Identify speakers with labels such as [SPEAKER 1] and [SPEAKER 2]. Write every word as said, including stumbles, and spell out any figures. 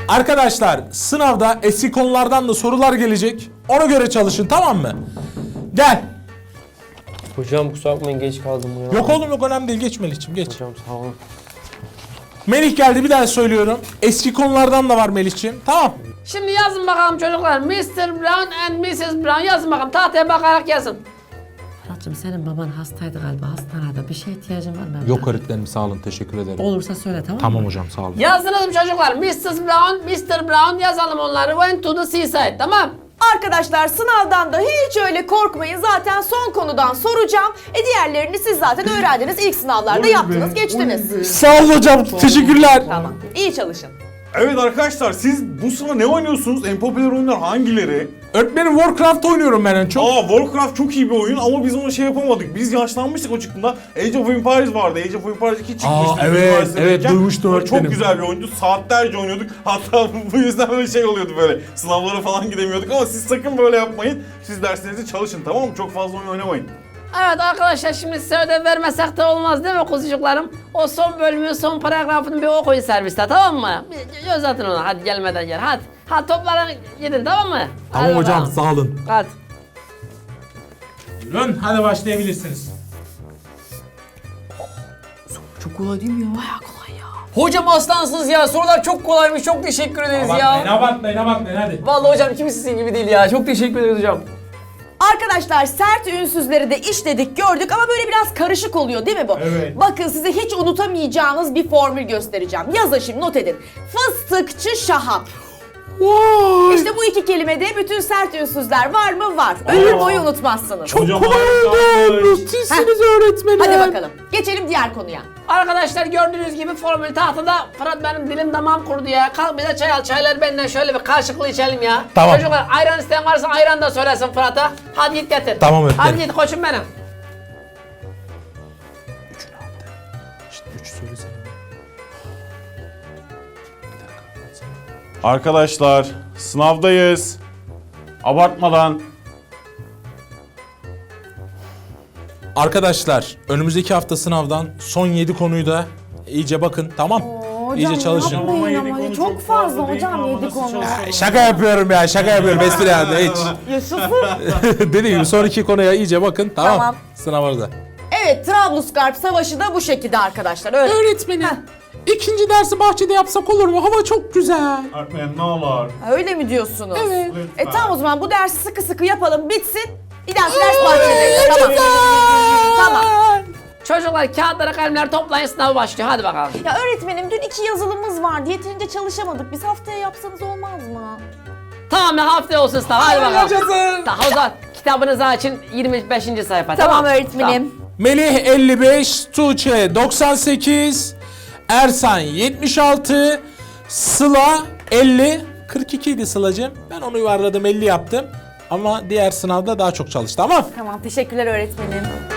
[SPEAKER 1] Arkadaşlar sınavda eski konulardan da sorular gelecek. Ona göre çalışın, tamam mı? Gel.
[SPEAKER 2] Hocam kusura bakmayın geç kaldım ya.
[SPEAKER 1] Yok oğlum yok, önemli değil. Geç Melih'ciğim geç.
[SPEAKER 2] Hocam sağ olun.
[SPEAKER 1] Melih geldi, bir daha söylüyorum. Eski konulardan da var Melih'ciğim. Tamam.
[SPEAKER 3] Şimdi yazın bakalım çocuklar. mister Brown and missus Brown yazın bakalım. Tahtaya bakarak yazın.
[SPEAKER 4] Fırat'cığım senin baban hastaydı galiba, hastanede. Bir şeye ihtiyacın var mı?
[SPEAKER 1] Yok öğretmenim, sağ olun, teşekkür ederim.
[SPEAKER 4] Olursa söyle, tamam mı?
[SPEAKER 1] Tamam hocam, sağ olun.
[SPEAKER 3] Yazdınız mı çocuklar? missus Brown, mister Brown yazalım onları. Went to the seaside, tamam.
[SPEAKER 5] Arkadaşlar sınavdan da hiç öyle korkmayın. Zaten son konudan soracağım. E diğerlerini siz zaten öğrendiniz. İlk sınavlarda yaptınız, geçtiniz.
[SPEAKER 1] Sağ olun hocam, teşekkürler.
[SPEAKER 5] Tamam. İyi çalışın.
[SPEAKER 6] Evet arkadaşlar, siz bu sıra ne oynuyorsunuz? En popüler oyunlar hangileri?
[SPEAKER 1] Öğretmenim Warcraft oynuyorum ben en çok.
[SPEAKER 6] Aa, Warcraft çok iyi bir oyun ama biz onu şey yapamadık. Biz yaşlanmıştık o çıktığında. Age of Empires vardı. Age of Empires iki çıkmıştı.
[SPEAKER 1] Aa, evet,
[SPEAKER 6] üniversitedeyken.
[SPEAKER 1] evet, duymuştum öğretmenim.
[SPEAKER 6] Çok güzel bir oyundu. Saatlerce oynuyorduk. Hatta bu yüzden böyle şey oluyordu böyle. Sınavlara falan gidemiyorduk ama siz sakın böyle yapmayın. Siz derslerinizi çalışın, tamam mı? Çok fazla oyun oynamayın.
[SPEAKER 3] Evet arkadaşlar, şimdi size ödev vermesek de olmaz değil mi kuzucuklarım? O son bölümün son paragrafını bir okuyun serviste, tamam mı? Bir göz atın ona, hadi gelmeden gel, hadi. Hadi toplara gidin, tamam mı?
[SPEAKER 1] Tamam
[SPEAKER 3] Hadi
[SPEAKER 1] hocam,
[SPEAKER 3] bakalım.
[SPEAKER 1] sağ olun.
[SPEAKER 3] Hadi.
[SPEAKER 1] Buyurun, hadi başlayabilirsiniz.
[SPEAKER 4] Çok kolay değil mi ya? Bayağı kolay ya.
[SPEAKER 2] Hocam aslansınız ya. Sorular çok kolaymış. Çok teşekkür ederiz ya.
[SPEAKER 1] abartmayın, abartmayın hadi.
[SPEAKER 2] Vallahi hocam kimisi sizin gibi değil ya. Çok teşekkür ederiz hocam.
[SPEAKER 5] Arkadaşlar sert ünsüzleri de işledik, gördük ama böyle biraz karışık oluyor değil mi bu?
[SPEAKER 1] Evet.
[SPEAKER 5] Bakın size hiç unutamayacağınız bir formül göstereceğim. Yazın şimdi, not edin. Fıstıkçı Şahap.
[SPEAKER 1] Vay.
[SPEAKER 5] İşte bu iki kelimede bütün sert ünsüzler var mı? Var. Ömür boyu unutmazsınız.
[SPEAKER 1] Çok
[SPEAKER 6] Hocam,
[SPEAKER 1] kolay oldu.
[SPEAKER 6] harika.
[SPEAKER 1] Müthişsiniz öğretmenim.
[SPEAKER 5] Hadi bakalım. Geçelim diğer konuya.
[SPEAKER 3] Arkadaşlar gördüğünüz gibi formül tahtada. Fırat benim dilim damağım kurudu ya. Kalk bize çay al. Çaylar benden şöyle bir karşılıklı içelim ya.
[SPEAKER 1] Tamam.
[SPEAKER 3] Çocuklar ayran isteyen varsa ayran da söylesin Fırat'a. Hadi git getir.
[SPEAKER 1] Tamam öğretmenim.
[SPEAKER 3] Hadi git koçum benim.
[SPEAKER 1] İşte üç söylesene.
[SPEAKER 6] Arkadaşlar, sınavdayız. Abartmadan.
[SPEAKER 1] Arkadaşlar önümüzdeki hafta sınavdan son yedi konuyu da iyice bakın, tamam? iyice çalışın.
[SPEAKER 6] Ama yedi konu çok fazla hocam, yedi konu.
[SPEAKER 1] Şaka yapıyorum ya, şaka yapıyorum, espri yani hiç.
[SPEAKER 5] Yusuf'um.
[SPEAKER 1] Dediğim gibi son iki konuya iyice bakın, tamam?
[SPEAKER 5] Tamam.
[SPEAKER 1] Sınava da.
[SPEAKER 5] Evet, Trablusgarp Savaşı da bu şekilde arkadaşlar. Öyle.
[SPEAKER 1] Öğretmenim, ikinci dersi bahçede yapsak olur mu? Hava çok güzel.
[SPEAKER 6] Öğretmenim ne olur.
[SPEAKER 5] Öyle mi diyorsunuz?
[SPEAKER 1] Evet.
[SPEAKER 5] E tamam, o zaman bu dersi sıkı sıkı yapalım, bitsin. Bir dahaki ders bahçede. Tamam. Tamam.
[SPEAKER 3] Çocuklar kağıtlara kalemler toplayın, sınav başlıyor. Hadi bakalım.
[SPEAKER 5] Ya öğretmenim, dün iki yazılımız vardı. Yeterince çalışamadık. Biz haftaya yapsanız olmaz mı?
[SPEAKER 3] Tamam ya, haftaya olsun sınav. Hadi bakalım.
[SPEAKER 1] Yaşasın.
[SPEAKER 3] Tamam, o zaman kitabınızı açın, yirmi beşinci sayfa.
[SPEAKER 5] Tamam,
[SPEAKER 3] Tamam,
[SPEAKER 5] öğretmenim.
[SPEAKER 1] Melih elli beş, Tuğçe doksan sekiz, Ersan yetmiş altı, Sıla elli, kırk iki idi Sıla'cığım. Ben onu yuvarladım, elli yaptım. Ama diğer sınavda daha çok çalıştı, tamam?
[SPEAKER 5] Tamam, teşekkürler öğretmenim.